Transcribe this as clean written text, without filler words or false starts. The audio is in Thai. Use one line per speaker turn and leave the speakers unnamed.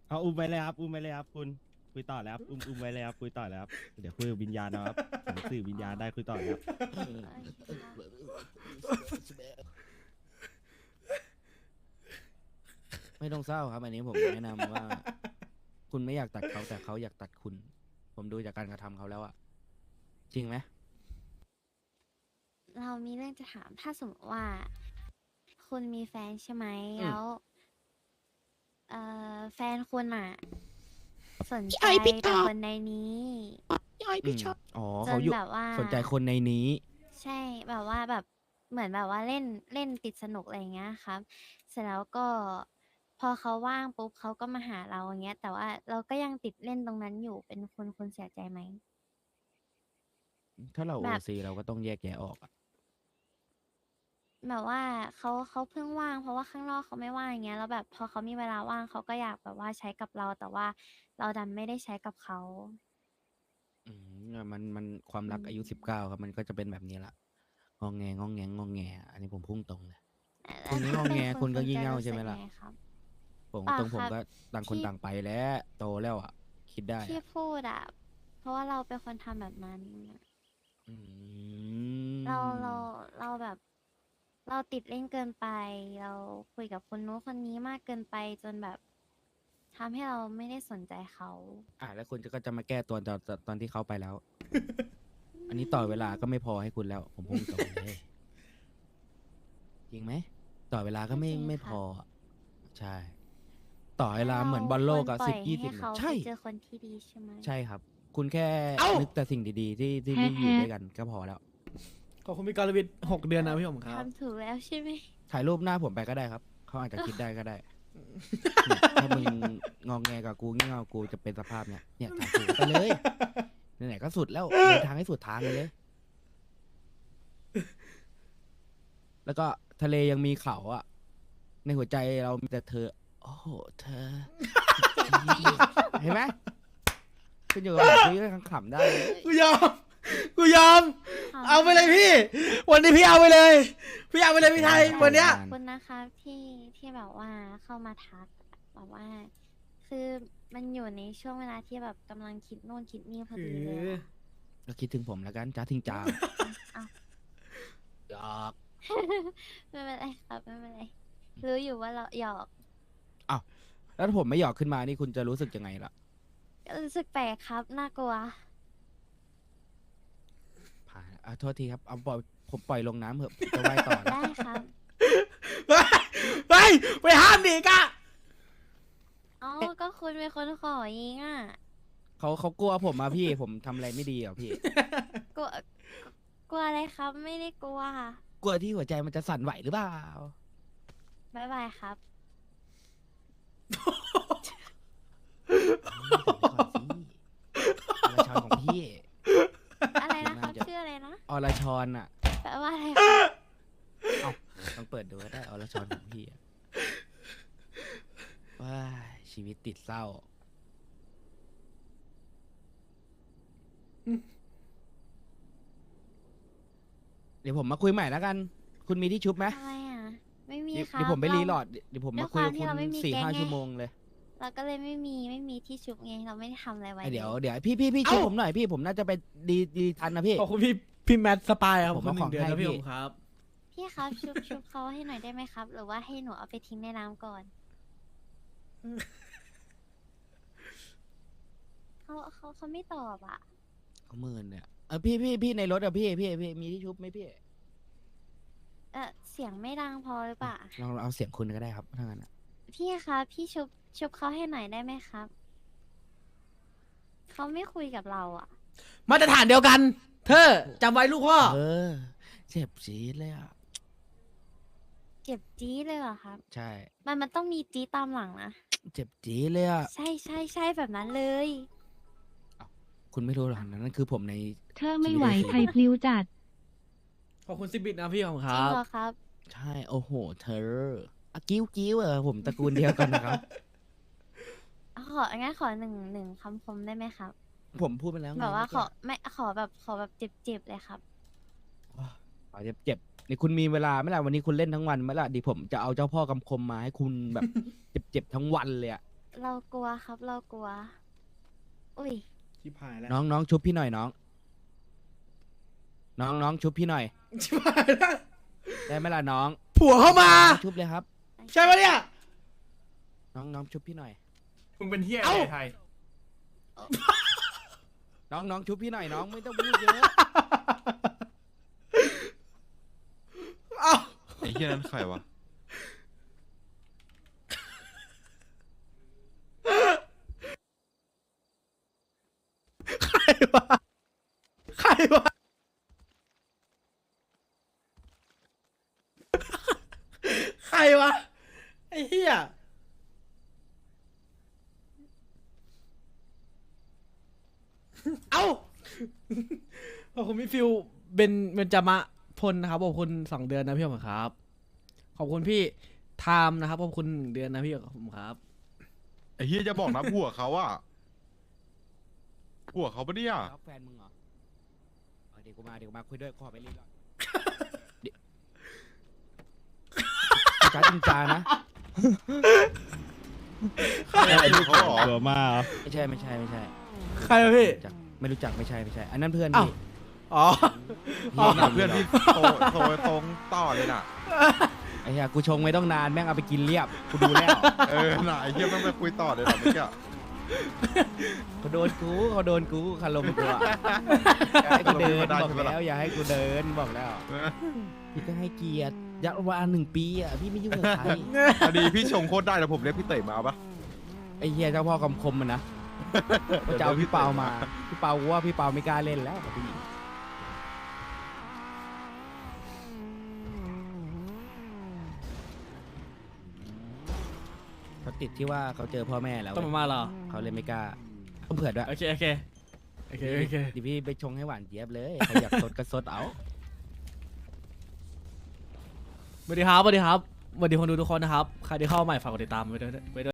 เอาอุ้มไปเลยครับอุ้มไปเลยครับคุณคุยต่อแล้วครับอุ้มไว้เลยครับคุยต่อแล้วครับเดี๋ยวคุยกับวิญญาณนะครับผมสื่อวิญญาณได้คุยต่อแล้วครับ
โอเคครับ
ไม่ต้องเศร้าครับอันนี้ผมแนะนำว่า คุณไม่อยากตัดเขาแต่เขาอยากตัดคุณ ผมดูจากการกระทำเขาแล้วอะจริงไหม
เรามีเรื่องจะถามถ้าสมมติว่า คุณมีแฟนใช่ไหม
อืม
แล้วแฟนคุณอ่ะ สนใจ
ไอ้พี่
แต่
ท็อป
คนในนี้
ย่อยพี่ชอบ
อ๋อ
จ
เขา
น
อยู่
แบบว่า
สนใจคนในนี้
ใช่แบบว่าแบบเหมือนแบบว่าเล่นติดสนุกอะไรอย่างเงี้ยครับ เสร็จแล้วก็พอเขาว่างปุ๊บเขาก็มาหาเราอย่างเงี้ย แต่ว่าเราก็ยังติดเล่นตรงนั้นอยู่เป็นคุณเสียใจไหม
ถ้าเราโอ
แบบ
ซีเราก็ต้องแยกแยะออกอะ
แบบว่าเขาเพิ่งว่างเพราะว่าข้างนอกเขาไม่ว่างอย่างเงี้ยแล้วแบบพอเขามีเวลาว่างเขาก็อยากแบบว่าใช้กับเราแต่ว่าเราดันไม่ได้ใช้กับเขา
มันความรักอายุ
อืม
19ครับมันก็จะเป็นแบบนี้ละงองแงงองแงงองแงอันนี้ผมพุ่งตรงเลย
แล้
คุ
ว
ณไม่
ถ้าง
อแง
เป็น
คุณก็
จะ
งี่เง่า
รู้
ใช่ไหม
สึก
ล่ะ
ไงครับ
ผม
เปล่า
ตรงผม
ครับ
ก็ต่างคน
ที่
ต่างไปแล้วโตแล้วอ่ะ คิดได้
ที่
อะ
พูดอ่ะเพราะว่าเราเป็นคนทำแบบนั้น
อื
เราเรา
ม
เราแบบ เราติดเล่นเกินไป เราคุยกับคนนู้นคนนี้มากเกินไปจนแบบทำให้เราไม่ได้สนใจเขา
แล้วคุณก็จะมาแก้ตัวตอนที่เขาไปแล้ว อันนี้ต่อเวลาก็ไม่พอให้คุณแล้ว ผมพุ่งตรงเลย จริงไหมต่อเวลาก็
ก็จริง
ไม่พ
ค่ะ
ออะใช่ ต่อเวลา
งั้น
เหมือนบอลโลกอะ
เราควรปล่อย
10-20
ให้เขา
ใช่
ไปเจอคนที่ดีใช่ไหม
ใช่ครับ คุณแค่
เอ้า
นึกแต่สิ่งดีๆ ที่ไม่อยู่ด้วยกันก็พอแล้ว
ขอบคุณพี่กรวิทย์6 เดือนนะพี่ผมครับ
ทำถูกแล้วใช่ไหม
ถ่ายรูปหน้าผมไปก็ได้ครับ เขาอาจจะคิดได้ก็ได้ เนี่ยถ้ามึงงองแงกับกูงี่เง่ากูจะเป็นสภาพเนี่ยถ่ายถูกไปเลยไหนๆก็สุดแล้วเดินทางให้สุดทางเลย แล้วก็ทะเลยังมีเขาอะในหัวใจเรามีแต่เธอ โอ้โหเธอ เห็นไหมคุณอยู่กับผมคุยกันขำๆได้เลย
กูยอม กูยอม
ค่ะ
เอาไปเลยพี่ วันนี้พี่เอาไปเลย พี่เอาไปเลยพี่ไทย วันเนี้ย
ขอบคุณนะคะที่แบบว่าเข้ามาทักแบบว่า คือมันอยู่ในช่วงเวลาที่แบบกำลังคิดโน่นคิดนี่พอดีเลยอะ
ก็คิดถึงผมแล้วกันจ้าทิงจาง
อ้าว
หยอก
ไม่เป็นไรครับไม่เป็นไรรู้อยู่ว่าเราหยอก
แล้วถ้าผมไม่หยอกขึ้นมานี่คุณจะรู้สึกยังไงล่ะ
ก็รู้สึกแปลกครับน่ากลัว
ผ่านโทษทีครับเอาปล่อยผมปล่อยลงน้ำเถอะผมจะว่ายต่อแล้ว
ได้ครับ
ไปไปห้ามดิกะ
อ๋อก็คุณเป็นคนขอเองอ่ะ
เขากลัวผมมาพี่ ผมทำอะไรไม่ดีเหรอพี่
กลัวกลัวอะไรครับไม่ได้กลัว
กลัวที่หัวใจมันจะสั่นไหวหรือเปล่า
บ๊ายบายครับ
อรชรของพี่
อะไรนะครับ
น่าจะ
ชื่ออะไรนะ
อรชรอ่ะ
แปลว่าอะไรครับ
เอาต้องเปิดดูก็ได้อรชรของพี่อะว้ายชีวิตติดเศร้า เดี๋ยวผมมาคุยใหม่แล้วกัน คุณมีที่ชุบไหม
ทำไมอ่ะ ไม่มี
เดี๋ยว
ครับ
เดี๋ยวผมไปรีโหล
เรา
ดเดี๋ยวผม
ด้
มา
วย
คุยกับ
ความที่
คุณ
เราไม่มี
4-5
แก๊งไง
ชั่วโมงเลย
เราก็เลยไม่มีที่ชุบไงเราไม่ได้ทำอะไรไว้
เดี๋ยว
ล
เดี๋ยวพี่ชุบผมหน่อยพี่ผมน่าจะไปดีทันนะพี่
ขอบคุณพี่แมทสปายครับ
ผม
คุณ
เอา
1 เดือน
ของให้
นะพี่
พี่
ผมครับ
พี่ครับชุบเขาให้หน่อยได้ไหมครับ หรือว่าให้หนูเอาไปทิ้งในน้ำก่อนเขาไม่ตอบอ่ะ
เขาหมื่นเนี่ยพี่ในรถอะพี่มีที่ชุบไหมพี่
เสียงไม่ดังพอหรือเปล่า
ลองเอาเสียงคุณก็ได้ครับถ้างั้นอะ
พี่ครับพี่ชุบเขาให้หน่อยได้ไหมครับเขาไม่คุยกับเราอ่ะ
มาตรฐานเดียวกัน เธอจำไว้ลูกพ่อ
เจ็บจี๊ดเลยอะ
เจ็บจี๊ดเลยเหรอครับ
ใช่
มันต้องมีจี๊ดตามหลังนะ
เจ็บจี๊ดเลยอะ
ใช่แบบนั้นเลย
คุณไม่รู้หรอกนั่นคือผมใน
เธอไม่ไหวไทยพลิ้วจัด
ขอบคุณซิบิทนะพี่ผมค
จริ
รั
ง
บ
เหรอครับ
ใช่โอ้โหเธอกิ้วผมตระกูลเดียวกันนะครับ
งั้นขอหนึ่งคำคมได้ไหมครับ
ผมพูดไปแล้วไง
แบบว่า
เมื่อกี้
ขอแบบเจ็บๆเลยครับ
ขอเจ็บนี่คุณมีเวลาไหมล่ะวันนี้คุณเล่นทั้งวันไหมล่ะดิผมจะเอาเจ้าพ่อกำคมมาให้คุณแบบ เจ็บทั้งวันเลยอะ
เรากลัวครับเรากลัว อุ้ย
ชิบหายแล้ว
น้องชุบพี่หน่อยน้องชุบพี่หน่อย
ชิบหายแล้ว
ได้ไหมล่ะน้อง
ผัวเข้ามา
น้องชุบเลยครับ
ใช่ปะเนี่ย
น้องชุบพี่หน่อย
มึงเป็นเฮียอะไรไทย
น้องชุบพี่หน่อยน้องไม่ต้องพูดเยอะ
เอ้า
ไอ้เหี้ยนั้นใครวะ
ใครวะใครวะใครวะไอ้เหี้ยเอ้าขอบคุณพี่ฟิวเบนจามะพลนะครับขอบคุณ2 เดือนนะพี่ผมครับขอบคุณพี่ไทม์นะครับขอบคุณ1 เดือนนะพี่ผมครับ
ไอ้เหี้ยจะบอกนะผัวเขาอะผัวเขาปะเนี่ย
แล้วแฟนมึงเหรอเอาเดี๋ยวกูมาคุยด้วยขอไปรีก่อนเดี๋ยวจ้าจริงจานะ
ไอ้ลูกเขาเหรอ
ตัวมาก
ไม่ใช่
ใครวะพี่
ไม่รู้จักไม่ใช่ อันนั้นเพื่อน
อ้าว
พี่
อ๋อ
เพื่อนพี่โตตรงต่อเลยน่ะ
ไอ้เหี้ยกูชงไม่ต้องนานแม่งเอาไปกินเรียบกูดูแล้ว
น่ะไอ้เหี้ยมันไปคุยต่อเลยเหรอเมื่อกี้
เขาโดนกูคารมกูอะอย่าให้กูเดินบอกแล้วอย่าให้กูเดินบอกแล้วพี่ก็ให้เกียรติยักษ์วา1 ปีอ่ะพี่ไม่ยุ่งกับใคร
พอดีพี่ชงโคตรได้แล้วผมเรียกพี่เต๋ยมาเอาปะ
ไอ้เหี้ยเจ้าพ่อคำคมมันนะก็จะเอาพี่เปามาพี่เปากูว่าพี่เปาไม่กล้าเล่นแล้วกับผู้หญิงเขาติดที่ว่าเขาเจอพ่อแม่แล้ว
ต้องมาเหรอ
เขาเลยไม่กล้าต้องเผื่อด้วย
โอเค
ดิพี่ไปชงให้หวานเจี๊ยบเลยใครอยากสดก็สดเอา
สวัสดีครับสวัสดีคนดูทุกคนนะครับใครที่เข้ามาใหม่ฝากกดติดตามไว้ด้วย